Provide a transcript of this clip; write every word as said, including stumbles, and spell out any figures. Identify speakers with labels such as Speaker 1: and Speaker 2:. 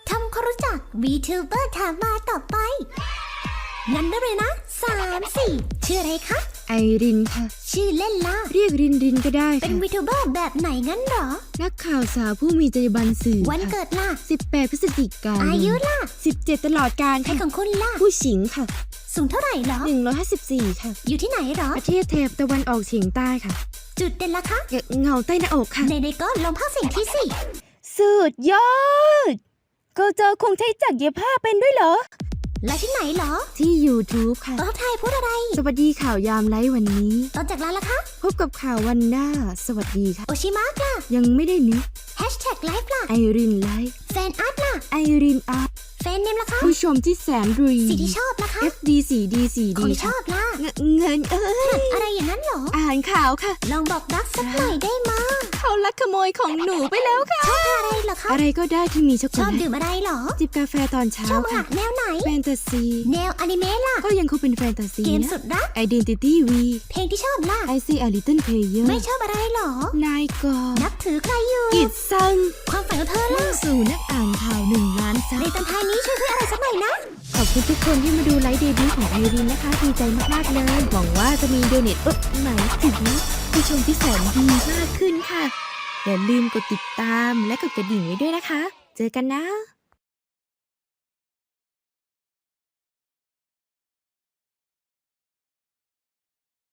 Speaker 1: ทำความรู้จัก VTuber ถามมาต่อไป งั้นได้เลยนะสามสี่ชื่ออะไรคะ
Speaker 2: ไอรินค่ะ
Speaker 1: ชื่อเล่นล่ะ
Speaker 2: เรียกรินรินก็ได้
Speaker 1: เป็น
Speaker 2: ค่ะ
Speaker 1: VTuber แบบไหนงั้นเหรอ
Speaker 2: นักข่าวสาวผู้มีจรรยาบรรณสื่อ
Speaker 1: วัน
Speaker 2: ค่ะ
Speaker 1: เกิดล่ะ
Speaker 2: สิบแปดพฤศจิกายน
Speaker 1: อายุล่ะ
Speaker 2: สิบเจ็ดตลอดการ
Speaker 1: ใคร
Speaker 2: ค่ะ
Speaker 1: ของคุณล่ะ
Speaker 2: ผู้หญิงค่ะ
Speaker 1: สูงเท่าไหร่เหรอ
Speaker 2: หนึ่งร้อยห้าสิบสี่ค่ะ
Speaker 1: อยู่ที่ไหนเหรอ
Speaker 2: ประเทศแถบตะวันออกเฉียงใต้ค่ะ
Speaker 1: จุดเด่นล่ะคะ
Speaker 2: เงเงาใต้หน้าอกค่ะ
Speaker 1: ในในๆก็ลองภาคเสียงที่สี่
Speaker 2: สุดยอดก็เจอคงใช้จักรเย็บผ้าเป็นด้วยเหรอ
Speaker 1: แล้วที่ไหนเหรอ
Speaker 2: ที่ YouTube ค่ะ
Speaker 1: ตอนไทายพูดอะไร
Speaker 2: สวัสดีข่าวยามไลฟ์วันนี้
Speaker 1: ตอนจากร้านล่ะคะ
Speaker 2: พบกับข่าววันหน้า สวัสดีค่ะ
Speaker 1: โอชิมะล่ะ
Speaker 2: ยังไม่ได้นึก
Speaker 1: แฮชแท็กไลฟ์ล่ะ
Speaker 2: ไอรินไลฟ์
Speaker 1: แฟนอาร์ตล่ะ
Speaker 2: ไอรินอาร์ต
Speaker 1: แฟนเนมล่ะคะ
Speaker 2: ผู้ชมที่แสนดี
Speaker 1: สีที่ชอบล่ะคะ
Speaker 2: เอฟ ดี สี่ ดี สี่
Speaker 1: ของ
Speaker 2: ดี
Speaker 1: ที่ชอบล่ะ
Speaker 2: เงินเอ้ย
Speaker 1: อะไรอย่างนั้นเหรอ
Speaker 2: อ่านข่าวค่ะ
Speaker 1: ลองบอกรักสักหน่อยได้มา
Speaker 2: เขาลักขโมยของหนูไปแล้วค่ะ
Speaker 1: ชอบอะไรเหรอคะ
Speaker 2: อะไรก็ได้ที่มีช็อกโก
Speaker 1: ชอบ
Speaker 2: แลต
Speaker 1: ดื่มอะไรเหรอ
Speaker 2: จิบกาแฟตอนเช้า
Speaker 1: ชอบอา
Speaker 2: ค่ะ
Speaker 1: หารแนวไหน
Speaker 2: แฟนตาซี
Speaker 1: แนวอนิเมะล่ะ
Speaker 2: ก็ยังคงเป็นแฟนตาซี
Speaker 1: เกม
Speaker 2: นะ
Speaker 1: สุดรัก
Speaker 2: Identity V
Speaker 1: เพลงที่ชอบล่ะ
Speaker 2: I see a little player
Speaker 1: ไม่ชอบอะไรเหรอ
Speaker 2: นายกอ
Speaker 1: นับถือใครอยู่
Speaker 2: กิดซัง
Speaker 1: ความฝันของเธอ
Speaker 2: มุ่
Speaker 1: ล่ะ
Speaker 2: งสู่นักอ่านข่าวหนึ่งล้านซั
Speaker 1: ใน
Speaker 2: บ
Speaker 1: ตอนท้ายนี้ช่วยเพื่ออะไรสักหน่อยนะ
Speaker 2: ขอบคุณทุกคนที่มาดูไลฟ์เดบิวต์ของไอรินนะคะ ดีใจมากๆเลย หวังว่าจะมีโดเนทเอ๊ะหมายถึงผู้ชมที่แสนดีมากขึ้นค่ะ อย่าลืมกดติดตามและกดกระดิ่งไว้ด้วยนะคะ เจอกันนะ